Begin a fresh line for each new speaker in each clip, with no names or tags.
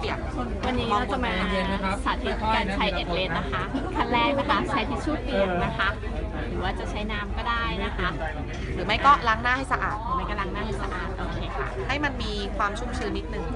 ยก
วันนี้เราจะมาสาธิตการใช้เอ็ดเลนนะคะขั้นแรกนะคะใช้ทิชชู่เปียกนะคะหรือว่าจะใช้น้ำก็ได้นะคะ
หรือไม่ก็ล้างหน้าให้สะอาด
หรือไม่ก็ล้างหน้าให้สะอาดโอเคค่ะ
ให้มันมีความชุ่มชื้นนิดนึง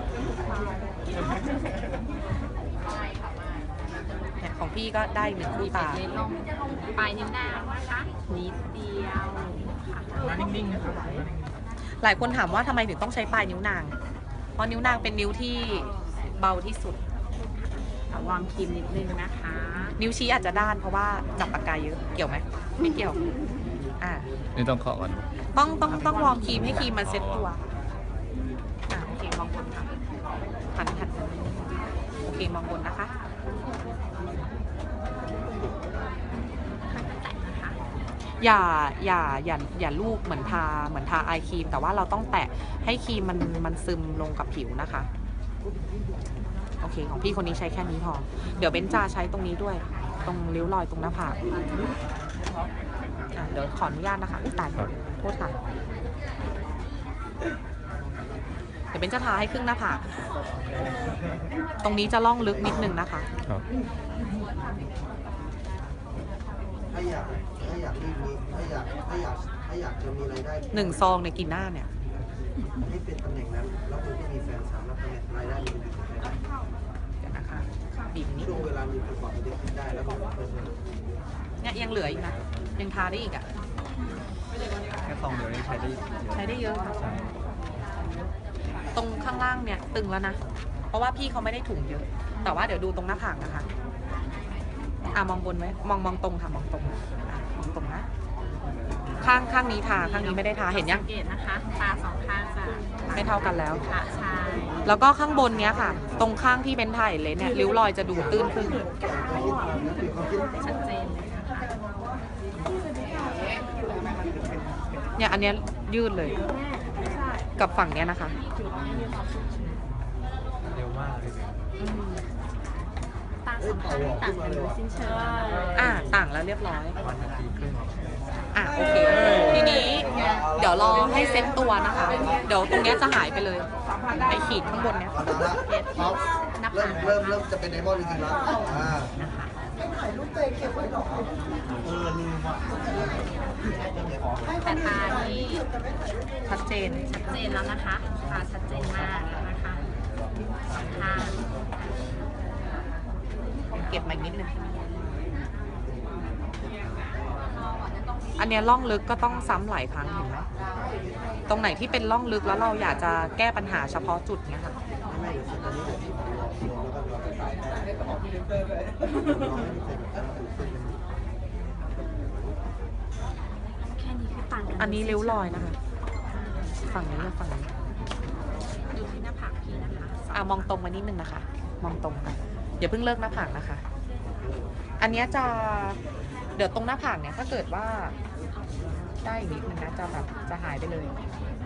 ของพี่ก็ได้หนึ่งคู่ตา
ลงปลายนิ้วนางนะคะนิดเดียวค่ะ
นิ่งๆนะครับ
หลายคนถามว่าทำไมถึงต้องใช้ปลายนิ้วนางเพราะนิ้วนางเป็นนิ้วที่เบาที่สุด
วางครีมนิดนึงนะคะ
นิ้วชี้อาจจะด้านเพราะว่าจับปากกาเยอะเกี่ยวไหมไม่เกี่ยว
นี่ต้องเคาะก่อน
ต้องวอร์มครีมให้ครีมมันเซ็ตตัวโอเคมองบนค่ะหันโอเคมองบนนะคะอย่าลูบเหมือนทาไอครีมแต่ว่าเราต้องแตะให้ครีมมันซึมลงกับผิวนะคะโอเคของพี่คนนี้ใช้แค่นี้พอเดี๋ยวเบนจาใช้ตรงนี้ด้วยตรงริ้วรอยตรงหน้าผากเดี๋ยวขออนุญาตนะคะตายโทษค่ะเดี๋ยวเบนจะทาให้ครึ่งหน้าผากตรงนี้จะล่องลึกนิดนึงนะคะ
ถ้าอยากจะมีรายได้
1 ซองในกี่หน้าเนี่ย
ให้เป็นตำแหน่งนั้นแล้วคุณก็มีแฟนสามแล้วตำแหน่งรายได้มันอยู่ที่ไหน
เดี๋ยวนะคะบีบนี้
ช่วงเวลามีประกอบเด็กขึ้นได้แล้วก็
เนี่ยยังเหลืออีกนะยังทาได้อีกอ่ะ
แค่ซองเดียวนี้ใช้
ได้เยอะค่ะตรงข้างล่างเนี่ยตึงแล้วนะเพราะว่าพี่เขาไม่ได้ถุงเยอะแต่ว่าเดี๋ยวดูตรงหน้าผากนะคะมองบนไว้มองตรงค่ะมองตรงนะข้างนี้ทาข้างนี้ไม่ได้ทาเห็นยัง
สังเกตนะคะตา2ข้างจะ
ไม่เท่ากันแล้ว
ค่ะใช่
แล้วก็ข้างบนเนี้ยค่ะตรงข้างที่เป็นถ่ายเลยเนี่ยริ้วรอยจะดูตื้นขึ้น
ชัดเจนเลยนะคะ
เนี่ยอันเนี้ยยืดเลยกับฝั่งเนี้ยนะคะ
เร็วมากเลย
ตา2ข้างต่างกันโดยสิ้นเชิง
ต่างแล้วเรียบร้อยโอเคทีนี้เดี๋ยวรอให้เซ็ตตัวนะคะเดี๋ยวตรงเนี้ยจะหายไปเลยไอขีดข้างบนเนี้ย
เริ่มจะเป็นไดมอนด์จริงๆแล้ว
แต่ตานี่
ชัดเจน
แล้วนะคะตาชัดเจนมากนะคะ
เก็บมาอีกนิดนึงอันนี้ร่องลึกก็ต้องซ้ำหลายครั้งเห็นไหมตรงไหนที่เป็นร่องลึกแล้วเราอยากจะแก้ปัญหาเฉพาะจุดเนี้ยค่ะอันนี้ริ้วรอยนะคะฝั่งนี้กับฝั่งนี้
ดูที่หน้าผากพี่นะคะ
มองตรงมานิดนึงนะคะมองตรงค่ะอย่าเพิ่งเลิกหน้าผากนะคะอันนี้จะเดี๋ยวตรงหน้าผากเนี่ยถ้าเกิดว่าได้อีกนิดนึงนะจะหายไปเลย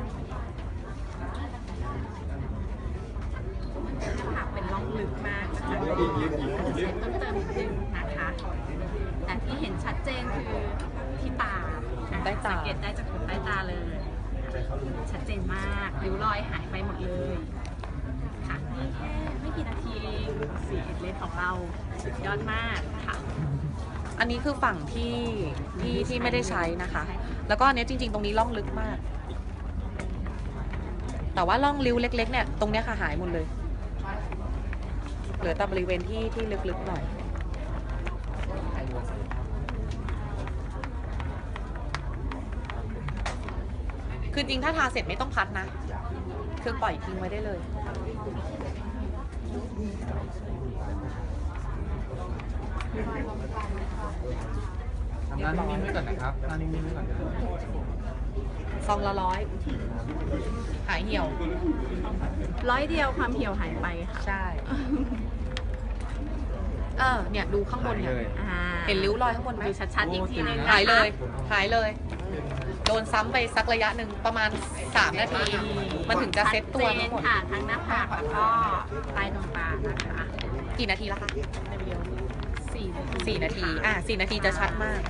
หน้าผากเป็นร่องลึกมากนะคะเซ็ตต้นเติมนิดนึงนะคะแต่ที่เห็นชัดเจนคือที่ตาสังเกตได้จากขนใต้ตาเลยชัดเจนมากริ้วรอยหายไปหมดเลยค่ะนี่แค่ไม่กี่นาทีเองสีเอ็ดเลนของเราสุดยอดมากค่ะ
อันนี้คือฝั่งที่ไม่ได้ใช้นะคะแล้วก็อันนี้จริงๆตรงนี้ร่องลึกมากแต่ว่าร่องริ้วเล็กๆเนี่ยตรงเนี้ยค่ะหายหมดเลยเหลือแต่บริเวณที่ลึกๆหน่อยคือจริงถ้าทาเสร็จไม่ต้องพัดนะคือปล่อยทิ้งไว้ได้เลย
ทำหน้านิ่งๆไว้ก่อนนะครับหน้านิ่งๆไว้ก่อนนะ
ซองละ100หายเหี่ยว
100 เดียวความเหี่ยวหายไปค่ะ
ใช่เนี่ยดูข้างบนเนี่ยเห็นริ้วรอยข้างบนไหม
ดูชัดๆอีกทีนึง
หายเลยโดนซ้ำไปสักระยะหนึ่งประมาณ3 นาทีมันถึงจะเซ็ตตัวทั้งหมด
ค่ะทั้งหน้าผากแล้วก็ใต้ดวงตานะคะ
กี่นาทีแล้วคะ4 นาที4 นาทีจะชัดมาก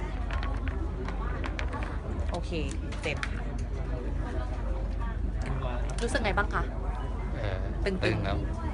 โอเคเสร็จรู้สึกไงบ้างคะ
ตึงครับ